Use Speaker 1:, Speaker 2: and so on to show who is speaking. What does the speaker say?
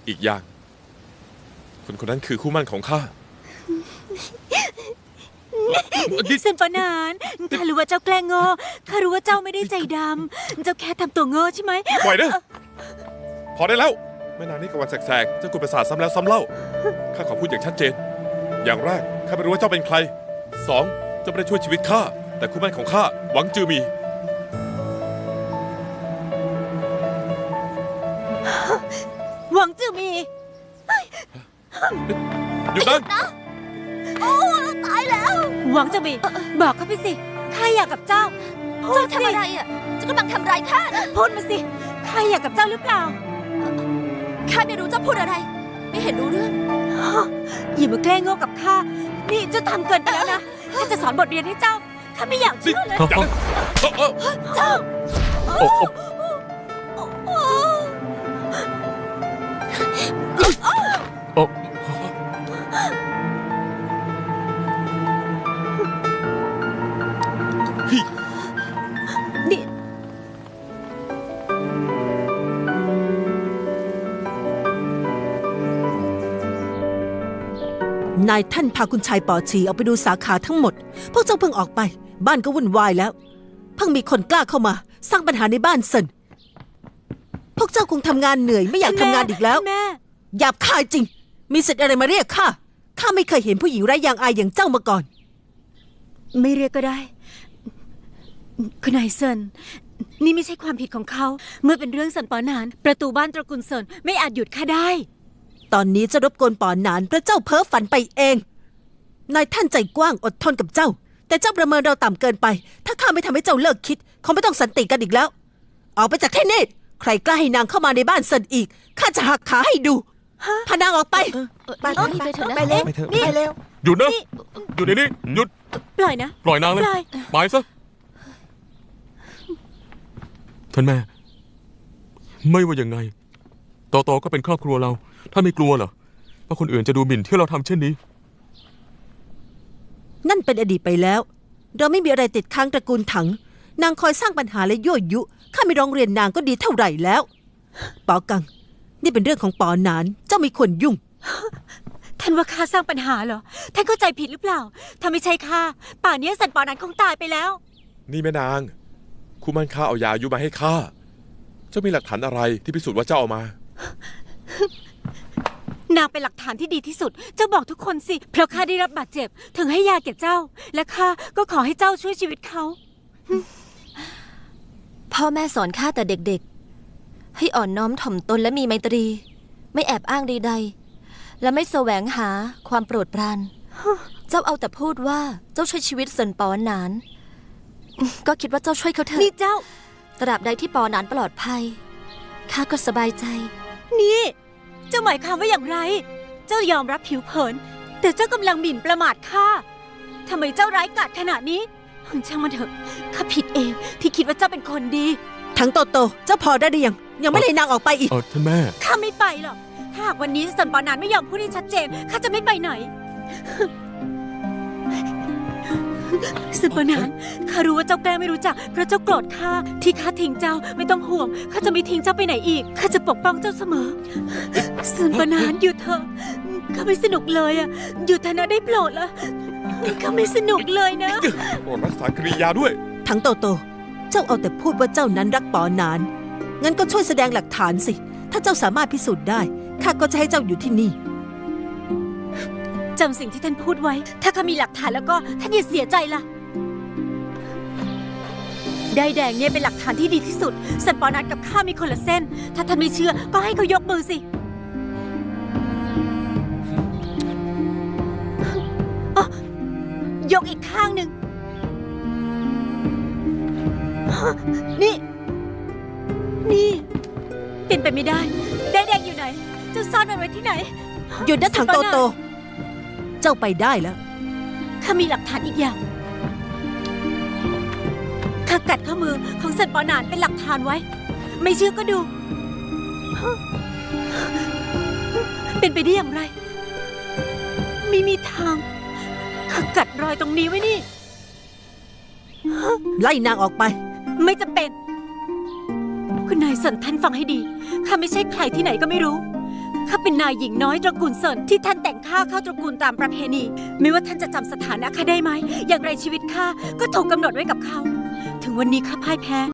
Speaker 1: อีกอย่างคนคนนั้นคือคู่หมั่นของข้า
Speaker 2: เซนปานานข้ารู้ว่าเจ้าแกล้งโง่ข้ารู้ว่าเจ้าไม่ได้ใจดำเจ้าแค่ทำตัวโง่ใช่ไหม
Speaker 1: ปล่อยนะพอได้แล้วแม่นางนี่กับวันแสกๆเจ้ากุประสาทซ้ำแล้วซ้ำเล่าข้าขอพูดอย่างชัดเจนอย่างแรกข้าไม่รู้ว่าเจ้าเป็นใคร2เจ้าไม่ได้ช่วยชีวิตข้าแต่คู่หมั่นของข้าหวังจือมี
Speaker 2: หวังจือมี
Speaker 1: หยุดนะ
Speaker 2: โอ้ตายแล้วหวังจือมีบอกเขาไปสิข้าอยากกับเจ้าเจ้าทำอะไรอ่ะเจ้ากำลังทำร้ายข้านะพูดมาสิข้าอยากกับเจ้าหรือเปล่าข้าไม่รู้เจ้าพูดอะไรไม่เห็นรู้เรื่องอย่ามาแกล้งโง่กับข้านี่เจ้าทำเกินไปแล้วนะข้าจะสอนบทเรียนให้เจ้าข้าไม่อยากเชื่อเลยเจ้านี่
Speaker 3: นายท่านพาคุณชายป๋อฉีออกไปดูสาขาทั้งหมดพวกเจ้าเพิ่งออกไปบ้านก็วุ่นวายแล้วเพิ่งมีคนกล้าเข้ามาสร้างปัญหาในบ้านเซินพวกเจ้าคงทำงานเหนื่อยไม่อยากทำงานอีกแล้วหยาบคายจริงมีสิทธิ์อะไรมาเรียกข้าไม่เคยเห็นผู้หญิงไร้ยางอายอย่างเจ้ามาก่อน
Speaker 2: ไม่เรียกก็ได้คุณนายเซินนี่ไม่ใช่ความผิดของเขาเมื่อเป็นเรื่องเซินปอนานประตูบ้านตระกูลเซินไม่อาจหยุดข้าได้
Speaker 3: ตอนนี้จะรบกวนป๋อหนานเพราะเจ้าเพ้อฝันไปเองนายท่านใจกว้างอดทนกับเจ้าแต่เจ้าประเมินเราต่ำเกินไปถ้าข้าไม่ทำให้เจ้าเลิกคิดคงไม่ต้องสันติกันอีกแล้วออกไปจากที่นี่ใครกล้าให้นางเข้ามาในบ้านเซินอีกข้าจะหักขาให้ดูพานางออกไป
Speaker 2: ไปเถอะนะ
Speaker 3: ไปเร็ว
Speaker 2: นี่
Speaker 3: ไปเร็ว
Speaker 1: หยุดนะหยุดเดี๋ยวนี้หยุด
Speaker 2: ปล่อยนะ
Speaker 1: ปล่อยนางเลยไปซะท่านแม่ไม่ว่ายังไงต่อก็เป็นครอบครัวเราท่านไม่กลัวเหรอว่าคนอื่นจะดูหมิ่นที่เราทำเช่นนี้
Speaker 3: นั่นเป็นอดีตไปแล้วเราไม่มีอะไรติดค้างตระกูลถังนางคอยสร้างปัญหาและยั่วยุข้าไม่ร้องเรียนนางก็ดีเท่าไหร่แล้วป๋อกังนี่เป็นเรื่องของป๋อหนานเจ้าไม่ควรยุ่ง
Speaker 2: ท่านว่าข้าสร้างปัญหาเหรอท่านเข้าใจผิดหรือเปล่าถ้าไม่ใช่ข้าป่านนี้สันป๋อหนานคงตายไปแล้ว
Speaker 1: นี่แม่นางคู่มั่นข้าเอายาอายุมาให้ข้าเจ้ามีหลักฐานอะไรที่พิสูจน์ว่าเจ้าเอาม
Speaker 2: านางเป็นหลักฐานที่ดีที่สุดเจ้าบอกทุกคนสิเพราะข้าได้รับบาดเจ็บถึงให้ยาแก่เจ้าและข้าก็ขอให้เจ้าช่วยชีวิตเขา
Speaker 4: พ่อแม่สอนข้าแต่เด็กๆให้อ่อนน้อมถ่อมตนและมีไมตรีไม่แอบอ้างใดๆและไม่แสวงหาความโปรดปรานเจ้าเอาแต่พูดว่าเจ้าช่วยชีวิตเซินปอหนานก็คิดว่าเจ้าช่วยเขาเถอะ
Speaker 2: นี่เจ้า
Speaker 4: ตราบใดที่ปอหนานปลอดภัยข้าก็สบายใจ
Speaker 2: นี่เจ้าหมายความว่าอย่างไรเจ้ายอมรับผิวเผินแต่เจ้ากำลังหมิ่นประมาทข้าทำไมเจ้าร้ายกาจขนาดนี้ช่างมันเถอะข้าผิดเองที่คิดว่าเจ้าเป็นคนดี
Speaker 3: ทั้งโตเจ้าพอได้หรือยังไม่เลยนางออกไปอีก
Speaker 1: ท่านแม่
Speaker 2: ข้าไม่ไปหรอกถ้าหากวันนี้สันปานานไม่ยอมพูดให้ชัดเจนข้าจะไม่ไปไหนสันปานานข้ารู้ว่าเจ้าแกล้งไม่รู้จักเพราะเจ้าโกรธข้าที่ข้าทิ้งเจ้าไม่ต้องห่วงข้าจะไม่ทิ้งเจ้าไปไหนอีกข้าจะปกป้องเจ้าเสมอสันปานานหยุดเถอะข้าไม่สนุกเลยอ่ะหยุดเถอะนะได้โปรดละข้าไม่สนุกเลยนะ
Speaker 1: โปรดรักษากริยาด้วย
Speaker 3: ทั้งโตเจ้าเอาแต่พูดว่าเจ้านั้นรักป๋อหนานงั้นก็ช่วยแสดงหลักฐานสิถ้าเจ้าสามารถพิสูจน์ได้ข้าก็จะให้เจ้าอยู่ที่นี่
Speaker 2: จำสิ่งที่ท่านพูดไว้ถ้าข้ามีหลักฐานแล้วก็ท่านอย่าเสียใจล่ะได้แดงเนี่ยเป็นหลักฐานที่ดีที่สุดสันปอนัดกับข้ามีคนละเส้นถ้าท่านไม่เชื่อก็ให้เขายกมือสิยกอีกข้างหนึ่งนี่เป็นไปไม่ได้ได้แดงอยู่ไหนเจ้าซ่อนมันไว้ที่ไหน
Speaker 3: หยุดนะถังโตเจ้าไปได้แล้ว
Speaker 2: ข้ามีหลักฐานอีกอย่างข้ากัดข้อมือของสันปอหนานเป็นหลักฐานไว้ไม่เชื่อก็ดูเป็นไปได้อย่างไรไม่มีทางข้ากัดรอยตรงนี้ไว้นี่
Speaker 3: ไล่นางออกไป
Speaker 2: ไม่จำเป็นคุณนายสันท่านฟังให้ดีข้าไม่ใช่ใครที่ไหนก็ไม่รู้ข้าเป็นนายหญิงน้อยตระกูลเซินที่ท่านแต่งข้าเข้าตระกูลตามประเพณี ไม่ว่าท่านจะจำสถานะข้าได้ไหม อย่างไรชีวิตข้าก็ถูกกำหนดไว้กับเขา ถึงวันนี้ข้าพ่ายแพ้